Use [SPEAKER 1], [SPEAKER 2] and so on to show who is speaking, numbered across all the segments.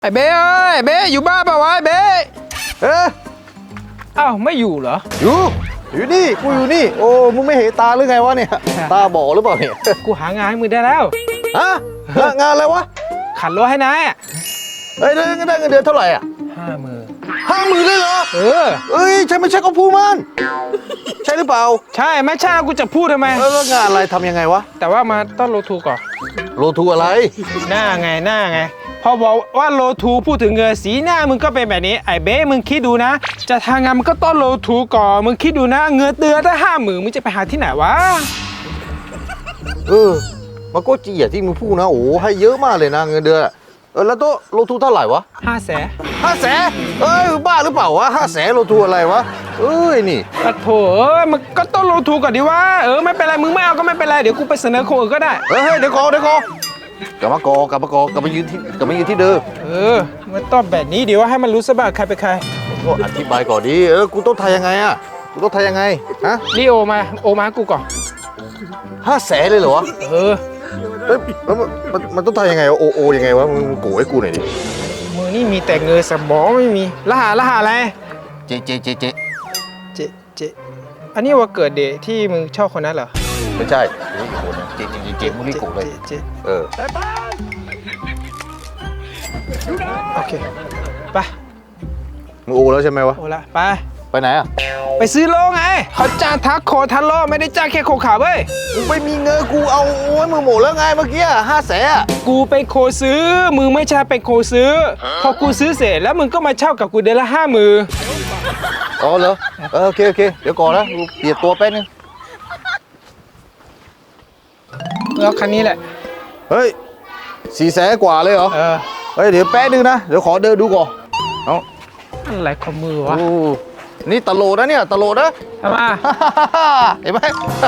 [SPEAKER 1] ไอ้เบ้เอ้ยเบ้อยู่บ้านเปล่าวะไอ้เบ้
[SPEAKER 2] เอ๊ะ
[SPEAKER 1] อ้าวไม่อยู่เหรอ
[SPEAKER 2] อยู่นี่กูอยู่นี่โอ้มึงไม่เห็นตาหรือไงวะเนี่ยตาบอดหรือเปล่าเนี่ย
[SPEAKER 1] กูหางานให้มึงได้แล้ว
[SPEAKER 2] ฮะงานอะไรวะ
[SPEAKER 1] ขันรถให้นาย
[SPEAKER 2] เฮ้ยได้เงินเดือนเท่าไหร่อ่ะ
[SPEAKER 1] 50,000
[SPEAKER 2] เลยเหรอ
[SPEAKER 1] เออ
[SPEAKER 2] ใช่ไม่ใช่ก็พูดมันใช่หรือเปล่า
[SPEAKER 1] ใช่ไม่ใช่กูจะพูดทำไม
[SPEAKER 2] แล้วงานอะไรทำยังไงวะ
[SPEAKER 1] แต่ว่ามาต้องโลทูก่อน
[SPEAKER 2] โลทูอะไร
[SPEAKER 1] หน้าไงพอบอกว่าโลทูพูดถึงเงินสีหน้ามึงก็เป็นแบบนี้ไอ้เบ้มึงคิดดูนะจะทางงานมันก็ต้องโลทูก่อนมึงคิดดูนะเงินเดือนได้50,000มึงจะไปหาที่ไหนวะ
[SPEAKER 2] มันก็จริงอย่างที่มึงพูดนะโอ้ให้เยอะมากเลยนะเงินเดือนแล้วโตโลทูเท่าไหร่วะ
[SPEAKER 1] 500,000
[SPEAKER 2] บ้าหรือเปล่าวะ500,000โลทูอะไรวะนี่
[SPEAKER 1] โถมันก็ต้องโลทูก่อนดิวะไม่เป็นไรมึงไม่เอาก็ไม่เป็นไรเดี๋ยวกูไปเสนอคนอื่นก็ได้
[SPEAKER 2] เดี๋ยวก่อนกลับมากยืนที่เดิม
[SPEAKER 1] มันต้องแบบนี้เดี๋ยวให้มันรู้ซะบ้างใครเป็นใคร
[SPEAKER 2] ก็อธิบายก่อนดิกูต้องทายยังไงฮะ
[SPEAKER 1] รีโอมากูก่อน
[SPEAKER 2] 500,000เลยเหรอแล้วมันต้องทายยังไงโอยังไงวะมึงโกให้กูหน่อยดิ
[SPEAKER 1] มือนี่มีแต่เงินสมองไม่มีรหัสอะไร
[SPEAKER 2] เจ
[SPEAKER 1] อันนี้ว่าเกิดเดทที่มึงชอบคนนั้นเหรอ
[SPEAKER 2] ไม่ใช่เจมึงนี่โกเลย
[SPEAKER 1] โอเคไป
[SPEAKER 2] มึงโอแล้วใช่ไหมวะ
[SPEAKER 1] โอละไป
[SPEAKER 2] ไหนอ่ะ
[SPEAKER 1] ไปซื้อโลไงเขาจ้างทักโคทันโลไม่ได้จ้างแค่โคขาเว้ย
[SPEAKER 2] มึงไม่มีเงินกูเอาโอ้ยมึงหมดแล้วไงเมื่อกี้500,000
[SPEAKER 1] กูเป็นโคซื้อมึงไม่ใช่เป็นโคซื้อพอกูซื้อเสร็จแล้วมึงก็มาเช่ากับกูเดือนละ50,000
[SPEAKER 2] อ๋อเหรอโอเคเดี๋ยวก่อนนะกูเปลี่ยนตัวแป๊บนึง
[SPEAKER 1] แล้วคันนี้แหละ
[SPEAKER 2] เฮ้ย400,000 กว่าเลยเหรอเดี๋ยวแป๊บนึงนะเดี๋ยวขอเดินดูก่อน
[SPEAKER 1] อะไรของมือวะ
[SPEAKER 2] นี่ตลกนะเนี่ยตลกนะ
[SPEAKER 1] ทำไม
[SPEAKER 2] เห็นไหม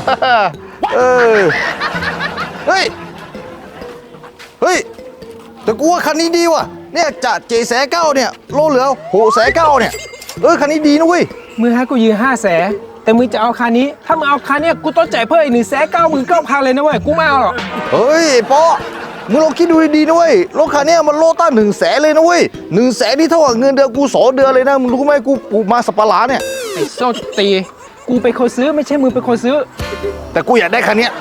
[SPEAKER 2] เฮ้ยแต่กูว่าคันนี้ดีว่ะเนี่ยจาก700,000เนี่ยโลเหลือ600,000เนี่ยคันนี้ดีนะเว้ย
[SPEAKER 1] มึงให้กูยืม500,000แต่มึงจะเอาคันนี้ถ้ามึงเอาคันนี้กูต้องจ่ายเพิ่มอีก199,000เลยนะเว้ยกูไม่เอาหรอก
[SPEAKER 2] เฮ้ยป๊อมึงลองคิดดูดีๆนะเว้ยรถคันนี้มันโลตั้ง100,000เลยนะเว้ย100,000นี่เท่ากับเงินเดือนกู2 เดือนเลยนะมึงรู้ไหมกูปลูกมาสับปะหลาเนี่ย
[SPEAKER 1] ไอ้โซตีกูเป็นคนซื้อไม่ใช่มึงเป็นคนซื้อ
[SPEAKER 2] แต่กูอยากได้คันนี้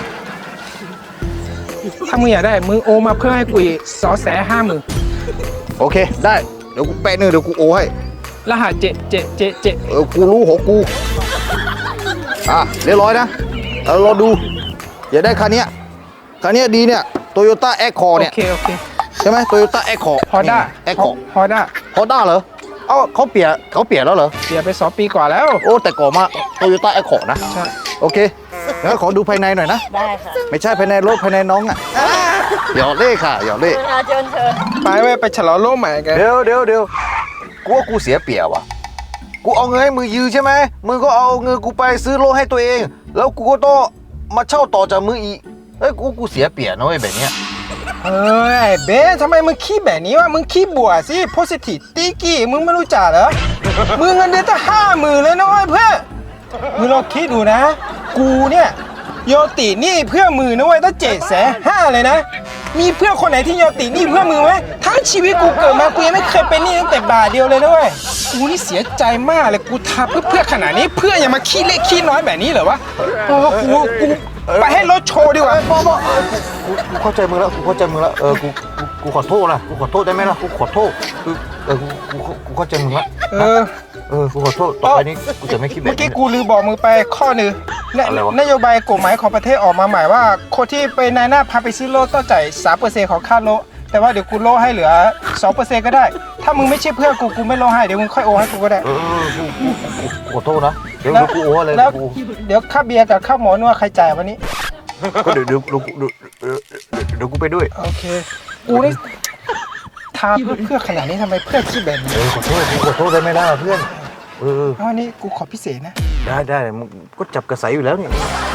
[SPEAKER 1] ถ้ามึงอยากได้มึงโอมาเพิ่มให้กูอีก250,000
[SPEAKER 2] โอเคได้เดี๋ยวกูแปะเดี๋ยวกูโอให้
[SPEAKER 1] รหัส7
[SPEAKER 2] กูรู้ของกูเรียบร้อยนะรอดูอยากได้คันนี้ดีเนี่ยโตโยต้าแอคคอร์เนี่ย
[SPEAKER 1] โอเค
[SPEAKER 2] ใช่ไหมโตโยต้าแอคคอร์
[SPEAKER 1] ฮอนด้า
[SPEAKER 2] ฮอนด้าเหรอเขาเปลี่ยนแล้วเหรอ
[SPEAKER 1] เปลี่ยนไป2 ปีกว่าแล้ว
[SPEAKER 2] โอ้แต่ก่อนมาโตโยต้าแอคคอร์นะ
[SPEAKER 1] ใช่
[SPEAKER 2] โอเคงั้นขอดูภายในหน่อยนะ
[SPEAKER 3] ได้ค่ะ
[SPEAKER 2] ไม่ใช่ภายในรถภายในน้องหยอดเล่ค่ะหยอดเล่
[SPEAKER 3] เชิญ
[SPEAKER 1] ไปฉลองโลกใหม่กัน
[SPEAKER 2] เดี๋ยวกูว่ากูเสียเปรียบว่ะกูเอาเงินให้มือยืมใช่ไหมมึงก็เอาเงินกูไปซื้อรถให้ตัวเองแล้วกูก็ต้องมาเช่าต่อจากมืออีกกูเสียเปรียบนะเว้ยแบบเนี้ย
[SPEAKER 1] เบสทำไมมึงขี้แบบนี้วะมึงขี้บวกสิ positive ตีกี้มึงไม่รู้จักเหรอมึงเงินเดือนตั้ง50,000เลยนะเว้ยเพื่อนมึงลองคิดดูนะกูเนี่ยโยตินี่เพื่อมือนะเว้ยตั้ง750,000เลยนะมีเพื่อนคนไหนที่โยตินี่เพื่อมือไหมทั้งชีวิตกูเกิดมากูยังไม่เคยเป็นหนี้ตั้งแต่บาทเดียวเลยนะเว้ยกูนี่เสียใจมากเลยกูทำเพื่อขนาดนี้เพื่ออย่ามาขี้เล็กขี้น้อยแบบนี้เหรอวะกูไปให้รถโชว์ดีกว่า
[SPEAKER 2] กูเข้าใจมึงแล้วกูขอโทษนะกูขอโทษได้ไหมล่ะกูขอโทษกูเข้าใจมึงแล้วกูขอโทษต่อไปนี้กูจะไม่คิดแบบนี้
[SPEAKER 1] เมื่อกี้กูลืมบอกมึงไปข้อนึงนโยบายกฎหมายของประเทศออกมาหมายว่าคนที่ไปนายหน้าพาไปซื้อรถต้องจ่าย 3% ของค่ารถแต่ว่าเดี๋ยวกูโลให้เหลือ 2% ก็ได้ถ้ามึงไม่ใช่เพื่อนกูไม่โลให้เดี๋ยวมึงค่อยโอให้กูก็ได้
[SPEAKER 2] ขอโทษนะเดี๋ยวกูโอเลย
[SPEAKER 1] แล้วเดี๋ยวค่าเบียร์กับค่าหมอนวดใครจ่ายวันนี้
[SPEAKER 2] ก็เดี๋ยวกูไปด้วย
[SPEAKER 1] โอเคกูนี่ทาเพื่อขนาดนี้ทำไมเพื่อนคิดแบบนี้
[SPEAKER 2] ขอโทษได้ไหมล่ะเพื่อน
[SPEAKER 1] อันนี้กูขอพิเศษนะ
[SPEAKER 2] ได้มึงก็จับกระใสอยู่แล้วเนี่ย